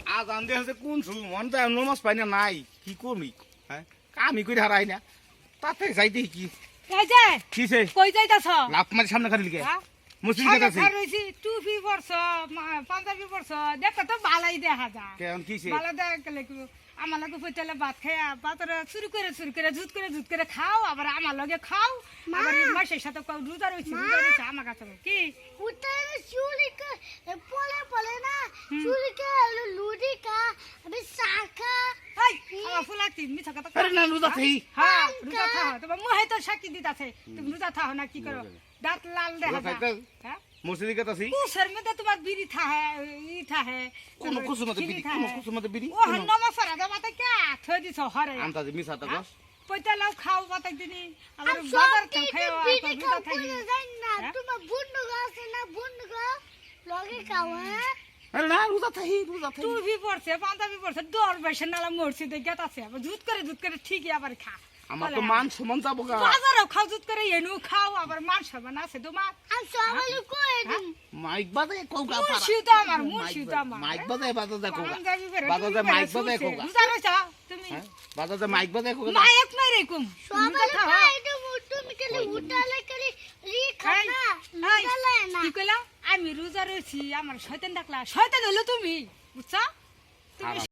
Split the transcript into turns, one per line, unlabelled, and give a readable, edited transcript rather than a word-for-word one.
আজান দিয়ে হচ্ছে কোন মন যায় নমাজ পাই না নাই কি করবি হ্যাঁ কামই করে হারাই না তাতে যাইতে কি
এই যে
কিসে
কই যাইতাছ
লাভ মারি সামনে খালি লিখে মসজিদ
সামনে
কাছে
রইছি টুপি পরছ পাঞ্জাবি পরছ দেখো তো ভালোই দেখা যায়
কেন কিসে
ভালো দেখলে আমার লগে পয়তালে ভাত খাইয়া পাতরে চুরি করে ঝুট করে খাও আবার আমার লগে খাও আবার মাসের সাথে রোজা রইছি আমার কাছে কি
উঠালে চুরি পলে না চুরি কে লুডি কা আমি শাখা
এই আমার ফুলাতি মিছা কথা
আরে না রোজা থাই
হ্যাঁ রোজা থাও তোমার মুহে তো সাক্ষী দিতাছে তুমি রোজা থাও না কি করো দাঁত লাল দেখা যায় হ্যাঁ
মসজিদ কাছে
কুসের মধ্যে তোমার বিড়ি থাহে ই থাহে
কোন কুসুমতে বিড়ি কোন কুসুমতে বিড়ি
ও নমা ফরা দা মাতে কে থই দিছ হরে
আমতা যে মিছা তা কস
পয়তা লাও খাও বাতা দিনি আবার
আমি
বাজার
সব
তো খাও
বিড়ি
আর
খাও
রোজা থাকি
বলে যাই না তোমার বুন্ডু আছে না বুন্ডু লগে খাও হ্যাঁ
আরে না রোজা থাই
তুই ভি পড়ছে পাঞ্জাবি পড়ছে দর বেশে নালা মরছি দে গেত আছে আবার ঝুট করে ঠিকই আবার খা
আমার তো মান সমান যাবো গা
বাজারও খাও ঝুট করে এনু খাও আবার মান সমান আছে তোমার
আমি সবাই কই দিম
মাইক বাজে কোকা
মুর্শিদ তো আমার মুর্শিদ তো আমার
মাইক বাজে কোকা
পাঞ্জাবি পরে
বাজারে মাইক বাজে কোকা
রোজা রইছা তুমি
বাজারে মাইক বাজে কোকা
মাইক নাই রে কুম
সবাই কই দিম তুমি কেলে উঠালে কেলে রি খাও না উঠালে না
কি কইলা আমি রোজা রইছি আমার শয়তান ডাকলা শয়তান হলো তুমি বুঝছো তুমি